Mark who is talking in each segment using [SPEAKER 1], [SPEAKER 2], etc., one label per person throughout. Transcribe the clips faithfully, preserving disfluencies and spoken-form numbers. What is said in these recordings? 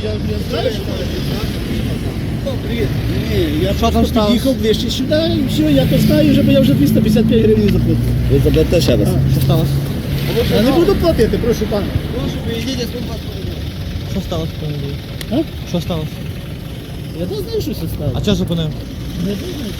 [SPEAKER 1] Я, я знаю, що привіт. Ні, я просто під'їхав ближче сюди і все, я то знаю, вже, бо я вже двісті п'ятдесят п'ять гривень заплатив.
[SPEAKER 2] Ви заплатите ще раз.
[SPEAKER 1] Що сталося? Я не буду платити, прошу пана.
[SPEAKER 2] Прошу, приїдіть, я свій паспорт.
[SPEAKER 3] Що сталося, пане Андрій?
[SPEAKER 1] А?
[SPEAKER 3] Що сталося?
[SPEAKER 1] Я не знаю, що це сталося.
[SPEAKER 3] А чого зупинив?
[SPEAKER 1] Не знаю.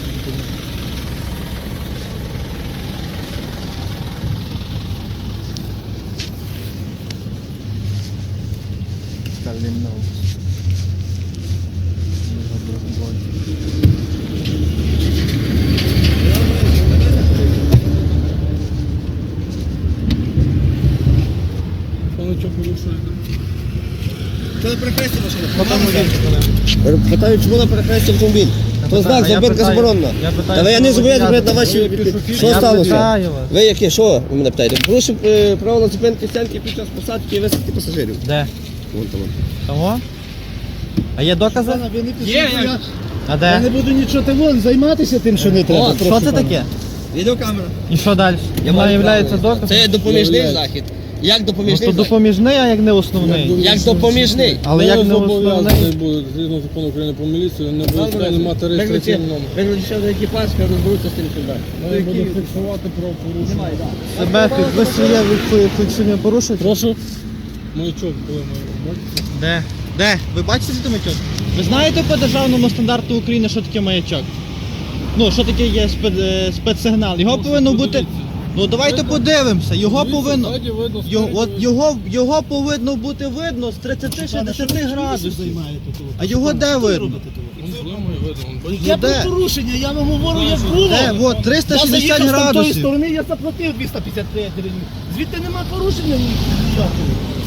[SPEAKER 2] Що на перехресті машина?
[SPEAKER 3] Потім водій зупинив.
[SPEAKER 2] Питаю, чому на перехресті автомобіль? То знак,
[SPEAKER 3] а я
[SPEAKER 2] зупинка
[SPEAKER 3] питаю-
[SPEAKER 2] заборонена.
[SPEAKER 3] я питаю,
[SPEAKER 2] Та ви я
[SPEAKER 3] що
[SPEAKER 2] не
[SPEAKER 3] ви
[SPEAKER 2] зобов'язаний
[SPEAKER 3] водія
[SPEAKER 2] на ваші...
[SPEAKER 3] зупинили.
[SPEAKER 2] Що
[SPEAKER 3] Я
[SPEAKER 2] сталося?
[SPEAKER 3] питаю вас.
[SPEAKER 2] Ви яке, що ви мене питаєте? Порушив е, правила зупинки стянки під час посадки і висадки пасажирів.
[SPEAKER 3] Де?
[SPEAKER 2] Вон там.
[SPEAKER 3] Того? А є докази?
[SPEAKER 1] Пана, ви не пишіть,
[SPEAKER 2] Є,
[SPEAKER 1] я,
[SPEAKER 3] А
[SPEAKER 1] я не
[SPEAKER 3] де?
[SPEAKER 1] буду нічого ти вон займатися тим, що не треба.
[SPEAKER 3] О,
[SPEAKER 1] прошу
[SPEAKER 3] що це
[SPEAKER 1] пана.
[SPEAKER 3] таке?
[SPEAKER 2] Відеокамера.
[SPEAKER 3] І що далі? Вона є доказом?
[SPEAKER 2] Це допоміжний
[SPEAKER 1] Являється.
[SPEAKER 2] захід. Як
[SPEAKER 3] Ну,
[SPEAKER 2] допоміжний
[SPEAKER 3] то
[SPEAKER 2] захід?
[SPEAKER 3] допоміжний, а як не основний.
[SPEAKER 2] Як допоміжний.
[SPEAKER 3] Але як не основний?
[SPEAKER 4] зобов'язаний буде, згідно закону України про міліцію, не буде не мати реєстраційний номер.
[SPEAKER 2] Виключи ще один екіпаж, хай розберуться з тим сюди.
[SPEAKER 4] Має буде фіксувати правопорушення.
[SPEAKER 3] Себе фі- ви своє ви фіксування порушуєте?
[SPEAKER 4] Прошу. Маячок, коли має бачите?
[SPEAKER 3] Де? Де? Ви бачите цей маячок? Ви знаєте по державному стандарту України, що таке маячок? Ну, що таке є спец, е, спецсигнал? Його
[SPEAKER 4] Ну,
[SPEAKER 3] повинно бути...
[SPEAKER 4] подивіться.
[SPEAKER 3] Ну давайте подивимося. Його
[SPEAKER 4] Дивіться,
[SPEAKER 3] повинно...
[SPEAKER 4] ззаді видно,
[SPEAKER 3] Його,
[SPEAKER 4] спереді
[SPEAKER 3] от
[SPEAKER 4] видно.
[SPEAKER 3] його, його повинно бути видно з
[SPEAKER 1] Пане, що
[SPEAKER 3] тридцяти-шістдесят
[SPEAKER 1] ви- що ви
[SPEAKER 3] градусів.
[SPEAKER 1] займаєте того?
[SPEAKER 3] А його де
[SPEAKER 1] Що ви
[SPEAKER 3] видно?
[SPEAKER 1] робите того?
[SPEAKER 4] Вон злимає, видно, вон, бачите?
[SPEAKER 1] Я
[SPEAKER 3] де?
[SPEAKER 1] про порушення, я вам говорю, як
[SPEAKER 4] Де?
[SPEAKER 1] було.
[SPEAKER 3] Де? От,
[SPEAKER 1] Я
[SPEAKER 3] триста шістдесят
[SPEAKER 1] заїхав з тої
[SPEAKER 3] градусів.
[SPEAKER 1] сторони, я заплатив двісті п'ятдесят п'ять гривень. Звідти нема порушення ніякого.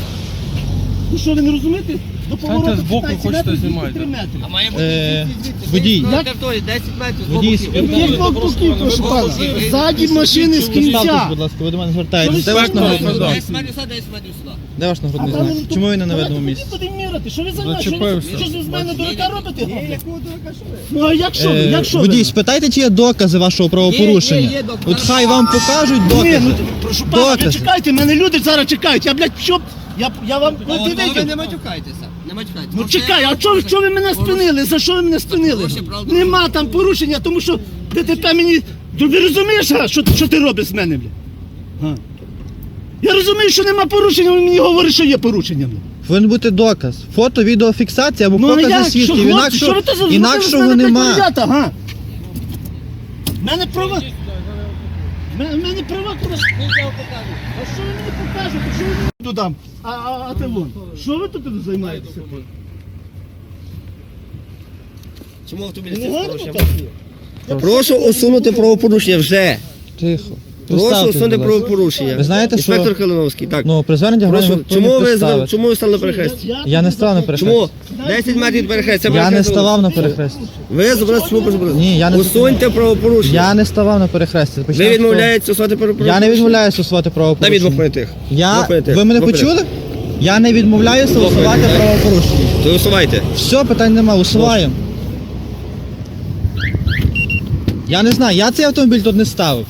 [SPEAKER 1] Ну що, ви не розумієте? До повороту
[SPEAKER 4] збоку
[SPEAKER 1] п'ятнадцять
[SPEAKER 4] хочете
[SPEAKER 1] метрів, звідти
[SPEAKER 4] знімати.
[SPEAKER 1] три метри.
[SPEAKER 2] А має бути
[SPEAKER 3] Е,
[SPEAKER 2] звідси, звідси.
[SPEAKER 3] водій.
[SPEAKER 2] Звідси,
[SPEAKER 1] Як?
[SPEAKER 2] території, десять метрів. з
[SPEAKER 3] Водій,
[SPEAKER 2] боку
[SPEAKER 3] спів-
[SPEAKER 2] кілька.
[SPEAKER 1] Який боків, прошу пана? Ззаді машини з кінця.
[SPEAKER 3] Ставтесь, будь ласка, ви до мене звертаєтесь.
[SPEAKER 1] Що
[SPEAKER 3] Де
[SPEAKER 1] ви
[SPEAKER 3] ваш
[SPEAKER 1] знаєте?
[SPEAKER 3] нагрудний знак?
[SPEAKER 2] десять метрів сюди, десять метрів сюди.
[SPEAKER 3] Де ваш
[SPEAKER 1] А
[SPEAKER 3] нагрудний
[SPEAKER 1] там
[SPEAKER 3] знак?
[SPEAKER 1] він
[SPEAKER 3] Чому ви не на
[SPEAKER 1] Давайте
[SPEAKER 3] видному
[SPEAKER 1] тоді
[SPEAKER 3] місці?
[SPEAKER 1] будемо міряти. Що ви займаєте? Що ви-
[SPEAKER 4] Зачепився.
[SPEAKER 1] Що ж ви з мене дурака робите?
[SPEAKER 2] Є,
[SPEAKER 1] габлик?
[SPEAKER 2] якого дурака, що ви?
[SPEAKER 1] Ну а як що ви?
[SPEAKER 3] Е,
[SPEAKER 1] Як що
[SPEAKER 3] Водій,
[SPEAKER 1] ви?
[SPEAKER 3] спитайте, чи є докази вашого правопорушення.
[SPEAKER 2] Є, є, є докази.
[SPEAKER 3] От хай вам покажуть
[SPEAKER 1] Ні,
[SPEAKER 3] докази.
[SPEAKER 1] ну прошу пана, ви
[SPEAKER 3] Докази.
[SPEAKER 1] чекайте, мене люди зараз чекають. Я, блядь, що? Я, я вам...
[SPEAKER 2] А
[SPEAKER 1] Ну,
[SPEAKER 2] от
[SPEAKER 1] дивіться.
[SPEAKER 2] ви не матюкайтеся. Не матюкайтеся.
[SPEAKER 1] Ну
[SPEAKER 2] Бо
[SPEAKER 1] чекай,
[SPEAKER 2] це
[SPEAKER 1] а чого чого ви мене спинили? За що ви мене спинили?
[SPEAKER 2] порушення прав
[SPEAKER 1] Нема там порушення, тому що ДТП мені... Ти розумієш, а, що, що ти робиш з мене, бля? А? Я розумію, що нема порушення, він мені говорить, що є порушення, бля.
[SPEAKER 3] Повинен бути доказ. Фото, відеофіксація або
[SPEAKER 1] Ну а
[SPEAKER 3] покази
[SPEAKER 1] як? Що,
[SPEAKER 3] свідків.
[SPEAKER 1] хлопці,
[SPEAKER 3] Інакше,
[SPEAKER 1] що ви то за
[SPEAKER 3] інакшого
[SPEAKER 1] з мене, блядь,
[SPEAKER 3] нема.
[SPEAKER 1] ребята, га? В мене права... В мене, в менмене права, куди... А що ви мені покажете? Що ви мені додам? А, а, а ти вон. Що ви тут займаєтеся?
[SPEAKER 2] Чому автомобіль
[SPEAKER 1] Не
[SPEAKER 2] з
[SPEAKER 1] гарно
[SPEAKER 2] порушенням?
[SPEAKER 1] так є?
[SPEAKER 2] Прошу усунути правопорушення вже.
[SPEAKER 3] Тихо.
[SPEAKER 2] Прошу
[SPEAKER 3] Представтесь,
[SPEAKER 2] усунути
[SPEAKER 3] будь ласка.
[SPEAKER 2] правопорушення.
[SPEAKER 3] Ви знаєте, що-
[SPEAKER 2] Інспектор Калиновський, так.
[SPEAKER 3] Ну, при зверненні
[SPEAKER 2] Прошу,
[SPEAKER 3] громадян
[SPEAKER 2] чому ви,
[SPEAKER 3] представити.
[SPEAKER 2] чому ви стали на перехресті?
[SPEAKER 3] Я не став на перехресті.
[SPEAKER 2] Чому? десять метрів від перехрестя.
[SPEAKER 3] Я не ставав на перехресті.
[SPEAKER 2] Ви зобразили, чому зобразили?
[SPEAKER 3] Ні, я не
[SPEAKER 2] Усуньте правопорушення.
[SPEAKER 3] Я не ставав на перехресті.
[SPEAKER 2] Ви
[SPEAKER 3] Почнемо з того.
[SPEAKER 2] відмовляєтеся усувати правопорушення?
[SPEAKER 3] Я не відмовляюся усувати
[SPEAKER 2] На
[SPEAKER 3] правопорушення.
[SPEAKER 2] відмов понятих.
[SPEAKER 3] Я...
[SPEAKER 2] Двох понятих.
[SPEAKER 3] Ви мене
[SPEAKER 2] Двох
[SPEAKER 3] почули?
[SPEAKER 2] понятих.
[SPEAKER 3] Я не відмовляюся
[SPEAKER 2] Двох
[SPEAKER 3] усувати
[SPEAKER 2] понятих.
[SPEAKER 3] правопорушення.
[SPEAKER 2] То усувайте.
[SPEAKER 3] Все, питань нема, усуваємо. Я не знаю, я цей автомобіль тут не ставив.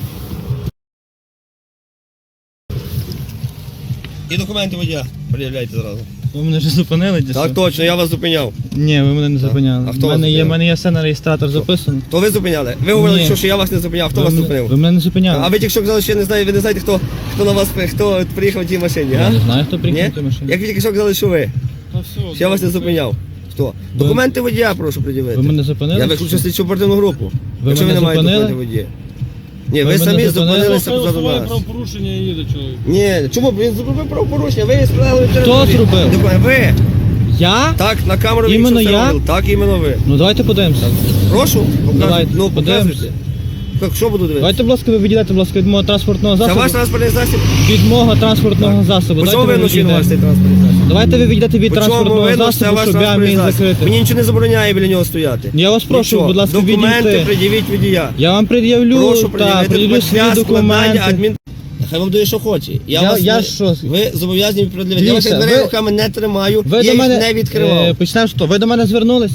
[SPEAKER 2] І документи водія пред'являйте зразу.
[SPEAKER 3] Ви мене вже зупинили десь?
[SPEAKER 2] Так точно, я вас зупиняв.
[SPEAKER 3] Ні, ви мене не зупиняли.
[SPEAKER 2] А хто
[SPEAKER 3] У
[SPEAKER 2] вас
[SPEAKER 3] мене є,
[SPEAKER 2] зупиняв?
[SPEAKER 3] в мене є все на реєстратор записано.
[SPEAKER 2] То ви зупиняли. Ви говорили,
[SPEAKER 3] Ні.
[SPEAKER 2] що, що я вас не зупиняв. Хто
[SPEAKER 3] ви
[SPEAKER 2] вас
[SPEAKER 3] мене,
[SPEAKER 2] зупинив?
[SPEAKER 3] Ви мене не зупиняли.
[SPEAKER 2] А ви тільки що казали, що я не знаю, ви не знаєте, хто, хто на вас хто приїхав в тій машині,
[SPEAKER 3] Я
[SPEAKER 2] а?
[SPEAKER 3] не знаю, хто приїхав
[SPEAKER 2] Ні?
[SPEAKER 3] в тій машині.
[SPEAKER 2] Як ви тільки що казали, що ви?
[SPEAKER 4] Та все,
[SPEAKER 2] Що я вас не зупиняв. Хто? Документи водія прошу пред'явити.
[SPEAKER 3] Ви мене зупинили?
[SPEAKER 2] Я виключу слідчу оперативну групу.
[SPEAKER 3] Ви
[SPEAKER 2] Якщо ви
[SPEAKER 3] мене
[SPEAKER 2] не маєте
[SPEAKER 3] зупинили?
[SPEAKER 2] документів водія. Ні,
[SPEAKER 3] Ви
[SPEAKER 2] ви,
[SPEAKER 3] мене
[SPEAKER 2] самі
[SPEAKER 3] зупинили?
[SPEAKER 2] зупинилися
[SPEAKER 4] Хай
[SPEAKER 2] позаду
[SPEAKER 4] усуває
[SPEAKER 2] нас.
[SPEAKER 4] правопорушення і їде чоловік.
[SPEAKER 2] Ні, чому? Він зробив правопорушення, ви справили
[SPEAKER 3] Хто зробив?
[SPEAKER 2] Ви.
[SPEAKER 3] Я?
[SPEAKER 2] Так, на камеру він
[SPEAKER 3] Іменно
[SPEAKER 2] все
[SPEAKER 3] я?
[SPEAKER 2] робив. Так, іменно ви.
[SPEAKER 3] Ну давайте подивимося.
[SPEAKER 2] Прошу, покажіть.
[SPEAKER 3] Давайте,
[SPEAKER 2] Ну,
[SPEAKER 3] подивимося.
[SPEAKER 2] показуйте. Так, що буду дивитися?
[SPEAKER 3] Давайте, будь ласка, ви відійдете, будь ласка, від мого транспортного
[SPEAKER 2] Це
[SPEAKER 3] засобу.
[SPEAKER 2] ваш транспортний засіб?
[SPEAKER 3] Від мого транспортного засобу.
[SPEAKER 2] По чому
[SPEAKER 3] Давайте
[SPEAKER 2] ви
[SPEAKER 3] ви
[SPEAKER 2] носили ваш цей
[SPEAKER 3] відійдете.
[SPEAKER 2] транспортний засіб?
[SPEAKER 3] Давайте ви відійдете від
[SPEAKER 2] По чому
[SPEAKER 3] транспортного
[SPEAKER 2] видно, це
[SPEAKER 3] засобу,
[SPEAKER 2] ваш
[SPEAKER 3] щоб я
[SPEAKER 2] транспортний
[SPEAKER 3] міг
[SPEAKER 2] засіб?
[SPEAKER 3] закрити.
[SPEAKER 2] Мені нічого не забороняє біля нього стояти.
[SPEAKER 3] Я вас прошу,
[SPEAKER 2] Нічого.
[SPEAKER 3] будь ласка,
[SPEAKER 2] Документи
[SPEAKER 3] відійдіть.
[SPEAKER 2] пред'явіть водія.
[SPEAKER 3] Я вам пред'явлю,
[SPEAKER 2] Прошу
[SPEAKER 3] так,
[SPEAKER 2] пред'явити
[SPEAKER 3] пред'явлю свої
[SPEAKER 2] для складання
[SPEAKER 3] документи.
[SPEAKER 2] адмін... Хай вам дає, що хоче. Я,
[SPEAKER 3] Я-
[SPEAKER 2] вас
[SPEAKER 3] я
[SPEAKER 2] не...
[SPEAKER 3] що?
[SPEAKER 2] Ви зобов'язані пред'явити. Я
[SPEAKER 3] Дивіться,
[SPEAKER 2] ваших дверей
[SPEAKER 3] ви-
[SPEAKER 2] руками не тримаю,
[SPEAKER 3] Ви
[SPEAKER 2] я
[SPEAKER 3] до
[SPEAKER 2] їх
[SPEAKER 3] мене,
[SPEAKER 2] не відкривав.
[SPEAKER 3] е, почнемо з того. Ви до мене звернулись?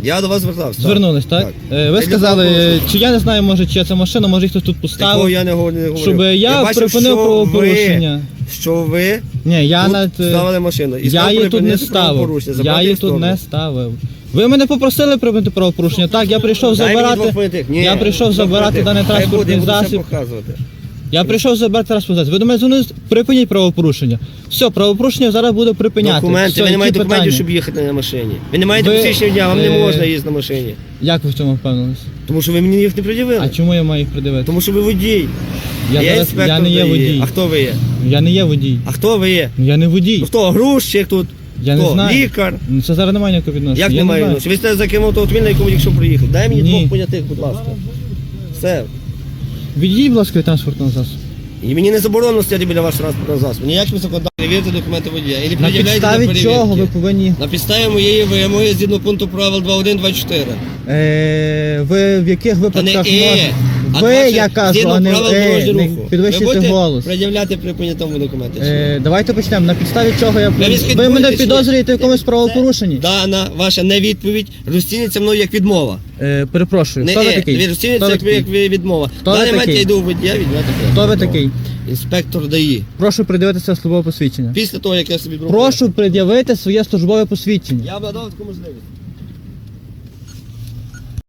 [SPEAKER 2] Я до вас звертався. так.
[SPEAKER 3] Звернулись, так?
[SPEAKER 2] Так.
[SPEAKER 3] Е, Ви
[SPEAKER 2] Я
[SPEAKER 3] сказали,
[SPEAKER 2] для
[SPEAKER 3] чи я не знаю, може, чия це машина, може їх хтось тут
[SPEAKER 2] Такого
[SPEAKER 3] поставив.
[SPEAKER 2] я не говорю. Не говорю.
[SPEAKER 3] Щоб я
[SPEAKER 2] бачив,
[SPEAKER 3] припинив
[SPEAKER 2] що
[SPEAKER 3] правопорушення.
[SPEAKER 2] Ви, що ви
[SPEAKER 3] Ні, я
[SPEAKER 2] тут
[SPEAKER 3] навіть, е,
[SPEAKER 2] ставили машину. І
[SPEAKER 3] я
[SPEAKER 2] сказав
[SPEAKER 3] її тут не
[SPEAKER 2] припинити
[SPEAKER 3] ставив.
[SPEAKER 2] правопорушення,
[SPEAKER 3] Я
[SPEAKER 2] забрати
[SPEAKER 3] її
[SPEAKER 2] їх в
[SPEAKER 3] тут
[SPEAKER 2] сторону.
[SPEAKER 3] не ставив. Ви мене попросили припинити правопорушення. Так, я прийшов
[SPEAKER 2] Дай мені двох
[SPEAKER 3] забирати.
[SPEAKER 2] понятих. Ні,
[SPEAKER 3] Я прийшов
[SPEAKER 2] двох
[SPEAKER 3] забирати
[SPEAKER 2] понятих.
[SPEAKER 3] даний
[SPEAKER 2] Хай буде,
[SPEAKER 3] транспортний
[SPEAKER 2] я буду все
[SPEAKER 3] засіб.
[SPEAKER 2] показувати.
[SPEAKER 3] Я прийшов забирати транспортний засіб. Ви до мене дзвонили, припиніть правопорушення. Все, правопорушення зараз буде припиняти.
[SPEAKER 2] Документи,
[SPEAKER 3] Все,
[SPEAKER 2] ви не
[SPEAKER 3] які
[SPEAKER 2] маєте документів,
[SPEAKER 3] питання?
[SPEAKER 2] щоб їхати на машині. Ви не маєте
[SPEAKER 3] Ви,
[SPEAKER 2] посвідчення дня, вам не
[SPEAKER 3] е,
[SPEAKER 2] можна їздити на машині.
[SPEAKER 3] Як ви в цьому впевнились?
[SPEAKER 2] Тому що ви мені їх не пред'явили.
[SPEAKER 3] А чому я маю їх придивити?
[SPEAKER 2] Тому що ви водій.
[SPEAKER 3] Я,
[SPEAKER 2] я
[SPEAKER 3] зараз,
[SPEAKER 2] інспектор
[SPEAKER 3] я не є
[SPEAKER 2] ДАІ.
[SPEAKER 3] водій.
[SPEAKER 2] А хто ви є?
[SPEAKER 3] Я не є водій.
[SPEAKER 2] А хто ви є?
[SPEAKER 3] Я не водій.
[SPEAKER 2] Ну хто? Грузчик тут?
[SPEAKER 3] Я
[SPEAKER 2] хто?
[SPEAKER 3] не знаю.
[SPEAKER 2] Лікар?
[SPEAKER 3] Ну, це зараз немає ніякого відношення.
[SPEAKER 2] Як
[SPEAKER 3] Я
[SPEAKER 2] немає
[SPEAKER 3] знаю.
[SPEAKER 2] відношення? Ви сте за ким автомобіль, на якому якщо приїхав. Дай мені
[SPEAKER 3] Ні.
[SPEAKER 2] двох понятих, будь ласка. Все.
[SPEAKER 3] Відійдіть, будь ласка, від транспортного засобу.
[SPEAKER 2] І мені не заборонено стояти біля вашого транспортного засобу. Ніяким законодавством. Перевірте документи водія. І не
[SPEAKER 3] На
[SPEAKER 2] пред'являйте
[SPEAKER 3] підставі
[SPEAKER 2] для
[SPEAKER 3] чого ви
[SPEAKER 2] перевірки.
[SPEAKER 3] повинні.
[SPEAKER 2] На підставі моєї вимоги згідно пункту правил два один два чотири.
[SPEAKER 3] Е, ви в яких
[SPEAKER 2] Та не
[SPEAKER 3] випадках
[SPEAKER 2] е,
[SPEAKER 3] можете?
[SPEAKER 2] а
[SPEAKER 3] Ви,
[SPEAKER 2] двадцять
[SPEAKER 3] я кажу,
[SPEAKER 2] згідно
[SPEAKER 3] а не
[SPEAKER 2] правил
[SPEAKER 3] е,
[SPEAKER 2] дорожнього
[SPEAKER 3] не
[SPEAKER 2] руху. Ви
[SPEAKER 3] підвищуйте
[SPEAKER 2] будете
[SPEAKER 3] голос.
[SPEAKER 2] пред'являти при прийнятому документі?
[SPEAKER 3] Е, давайте почнемо. На підставі чого я...
[SPEAKER 2] Ви
[SPEAKER 3] Ви
[SPEAKER 2] відслідкуєте,
[SPEAKER 3] мене
[SPEAKER 2] чи
[SPEAKER 3] підозрюєте в
[SPEAKER 2] ні?
[SPEAKER 3] якомусь правопорушенні?
[SPEAKER 2] Дана ваша невідповідь розцінюється мною як відмова.
[SPEAKER 3] Е, перепрошую,
[SPEAKER 2] Не
[SPEAKER 3] хто ви
[SPEAKER 2] е,
[SPEAKER 3] такий?
[SPEAKER 2] розцінюється
[SPEAKER 3] Хто ви
[SPEAKER 2] як, як
[SPEAKER 3] такий?
[SPEAKER 2] відмова.
[SPEAKER 3] Хто
[SPEAKER 2] В
[SPEAKER 3] ви
[SPEAKER 2] даний момент
[SPEAKER 3] такий?
[SPEAKER 2] я йду в водія, відмовити.
[SPEAKER 3] Хто ви такий?
[SPEAKER 2] Інспектор ДАІ.
[SPEAKER 3] Прошу придивитися службове посвідчення.
[SPEAKER 2] Після того, як я собі зроблю.
[SPEAKER 3] Прошу пред'явити своє службове посвідчення.
[SPEAKER 2] Я б надав таку можливість.